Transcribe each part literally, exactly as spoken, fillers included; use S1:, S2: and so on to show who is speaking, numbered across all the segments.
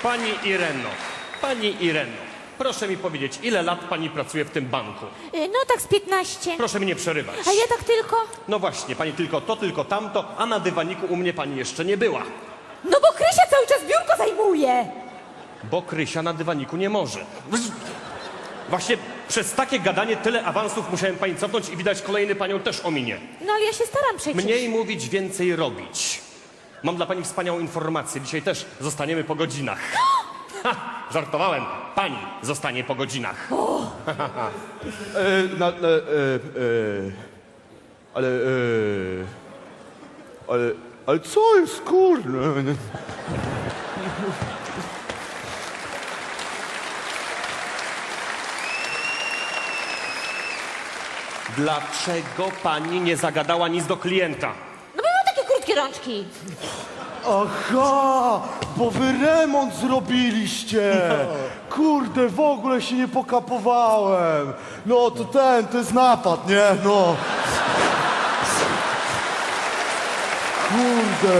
S1: Pani Ireno, pani Ireno, proszę mi powiedzieć, ile lat pani pracuje w tym banku?
S2: Y, No tak z piętnaście.
S1: Proszę mnie przerywać.
S2: A ja tak tylko?
S1: No właśnie, pani tylko to, tylko tamto, a na dywaniku u mnie pani jeszcze nie była.
S2: No bo Krysia cały czas biurko zajmuje.
S1: Bo Krysia na dywaniku nie może. Właśnie przez takie gadanie tyle awansów musiałem pani cofnąć i widać kolejny panią też ominie.
S2: No ale ja się staram przecież.
S1: Mniej mówić, więcej robić. Mam dla pani wspaniałą informację. Dzisiaj też zostaniemy po godzinach. Ha, żartowałem. Pani zostanie po godzinach.
S3: E, na, e, e, e, ale, e, ale, ale co jest, kurde?
S1: Dlaczego pani nie zagadała nic do klienta?
S2: No bo mam takie krótkie rączki.
S3: Aha, bo wy remont zrobiliście. Kurde, w ogóle się nie pokapowałem. No to ten, to jest napad, nie? No. Kurde.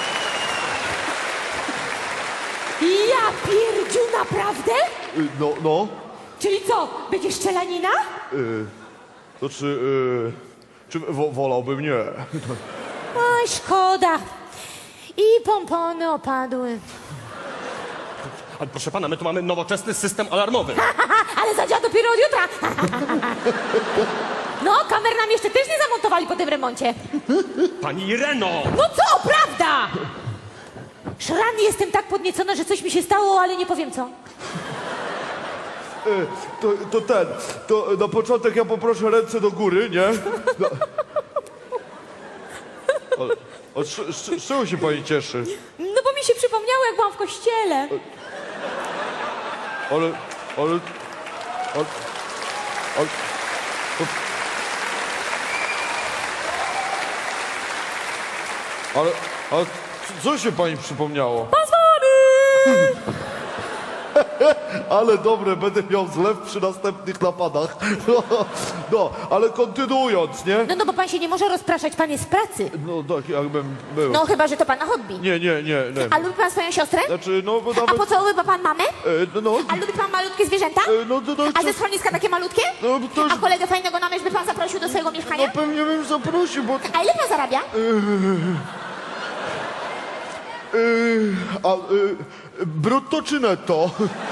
S2: Ja pierdziu, naprawdę?
S3: Y, No, no.
S2: Czyli co, będzie strzelanina?
S3: Y, to czy, y, czy wo, wolałbym nie?
S2: Oj, szkoda. I pompony opadły.
S1: Ale proszę pana, my tu mamy nowoczesny system alarmowy.
S2: Ale zadziała dopiero od jutra. No, kamer nam jeszcze też nie zamontowali po tym remoncie.
S1: Pani Ireno!
S2: No co, prawda? Szrany, jestem tak podniecona, że coś mi się stało, ale nie powiem co.
S3: Y, to, to ten, to na początek ja poproszę ręce do góry, nie? No. Ale, a z, z, z czego się pani cieszy?
S2: No bo mi się przypomniało, jak byłam w kościele.
S3: Ale, ale, ale, ale to, ale, ale co się pani przypomniało?
S2: Pozwoli!
S3: Ale dobre, będę miał zlew przy następnych napadach. No, no, ale kontynuując, nie?
S2: No, no bo pan się nie może rozpraszać, pan jest z pracy.
S3: No tak, jakbym był.
S2: No chyba, że to pana hobby.
S3: Nie, nie, nie, nie.
S2: A lubi pan swoją siostrę?
S3: Znaczy, no bo
S2: A
S3: nawet...
S2: pocałowyba pan mamę?
S3: E, no,
S2: A lubi pan malutkie zwierzęta?
S3: e, no, no, no,
S2: A ze
S3: co-
S2: schroniska takie malutkie?
S3: No, to już-
S2: A kolegę fajnego na myśl by pan zaprosił do swojego
S3: no
S2: mieszkania?
S3: pewnie bym zaprosił, bo...
S2: A ile pan zarabia?
S3: Yy, a yy, brutto czy netto?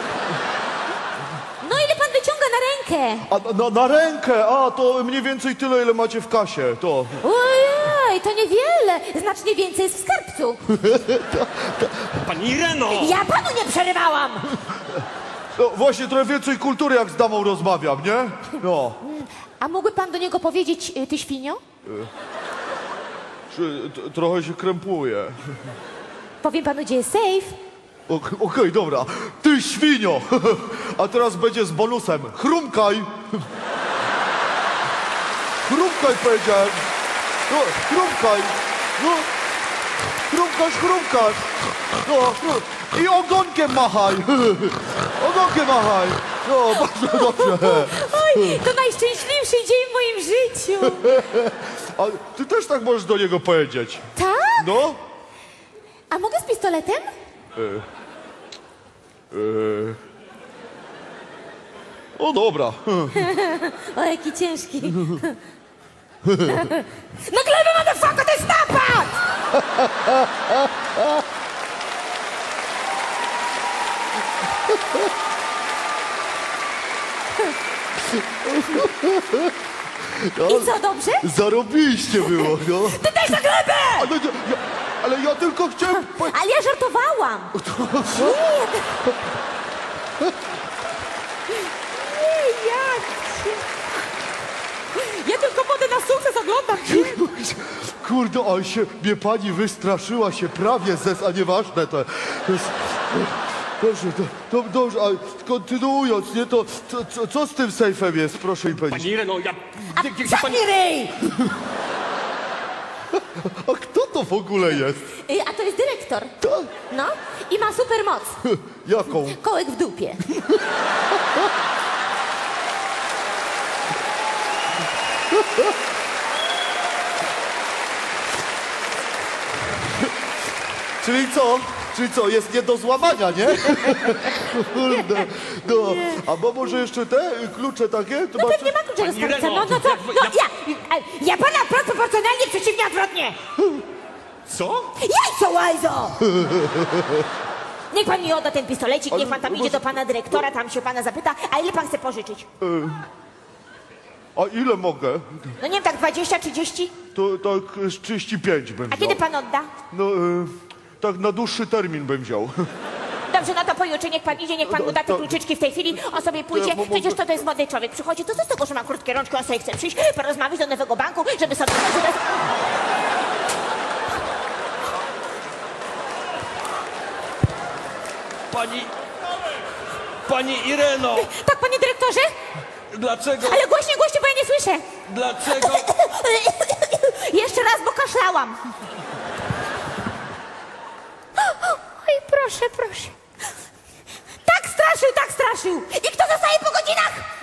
S2: No ile pan wyciąga na rękę?
S3: A na, na rękę, a to mniej więcej tyle, ile macie w kasie, to.
S2: Ojej, to niewiele. Znacznie więcej jest w skarbcu.
S1: Pani Ireno!
S2: Ja panu nie przerywałam.
S3: No właśnie, trochę więcej kultury, jak z damą rozmawiam, nie? No.
S2: A mógłby pan do niego powiedzieć, y, ty świnio?
S3: Czy, t, trochę się krępuje.
S2: Powiem panu, gdzie jest safe.
S3: Ok- Okej, dobra. Ty świnio! A teraz będzie z bonusem. Chrumkaj! Chrumkaj, powiedziałem. No, chrumkaj. No, chrumkasz, chrumkasz. No, no. I ogonkiem machaj. Ogonkiem machaj. No, bardzo dobrze.
S2: Oj, to najszczęśliwszy dzień w moim życiu.
S3: A ty też tak możesz do niego powiedzieć.
S2: Tak?
S3: No?
S2: A mogę z pistoletem?
S3: Yy. O, dobra.
S2: O, jaki ciężki. Na glebę, motherfucker, to jest napad! I co, dobrze?
S3: Zarobiliście było, no.
S2: Ty daj za glebę!
S3: Ale ja, ja, ale ja tylko chciałem... po-
S2: Ale ja żartowałam. Nie, nie, jak cię... Ja tylko modę na sukces oglądam.
S3: Kurde, ale się, mnie pani wystraszyła się prawie zes, a nieważne to. to jest, dobrze, to, to, dobrze, ale kontynuując, nie, to co, co, co z tym sejfem jest, proszę mi powiedzieć.
S1: Pani Ireno, ja...
S2: A
S1: Gdzie, gdzie pani...
S2: zamknij ryj!
S3: A kto to w ogóle jest?
S2: Y, A to jest dyrektor.
S3: Ta,
S2: No, i ma super moc.
S3: jaką?
S2: Kołek w dupie.
S3: Czyli co? Czy co, jest nie do złamania, nie? Kurde, no. A bo może jeszcze te y, klucze takie? To
S2: No
S3: ma
S2: pewnie ma klucze do
S1: Pani
S2: skarbca.
S1: Ireno,
S2: No, no co?
S1: jak-
S2: No
S1: jak-
S2: ja, ja pana wprost proporcjonalnie, przeciwnie odwrotnie.
S1: Co?
S2: Jajco, łajzo! Niech pan mi odda ten pistolecik, niech pan tam
S3: Ale-
S2: idzie do pana dyrektora, tam się pana zapyta, a ile pan chce pożyczyć?
S3: A ile mogę?
S2: No nie wiem, tak dwadzieścia, trzydzieści?
S3: To tak y, z trzydzieści pięć bym
S2: A
S3: wziął.
S2: kiedy pan odda?
S3: No, y, tak na dłuższy termin bym wziął.
S2: Dobrze, no to pojutrze niech pan idzie, niech pan mu da te
S3: to-
S2: kluczyczki w tej chwili, on sobie pójdzie,
S3: Ja mo-
S2: przecież to, to jest młody człowiek, przychodzi, to co z tego, że ma krótkie rączki, on sobie chce przyjść, porozmawiać do nowego banku, żeby sobie...
S4: Pani... Pani Ireno,
S2: Tak, panie dyrektorze?
S4: dlaczego...
S2: Ale głośniej, głośniej, bo ja nie słyszę.
S4: Dlaczego...
S2: Jeszcze raz, bo kaszlałam. Oj, proszę, proszę. Tak straszył, tak straszył. I kto zostaje po godzinach?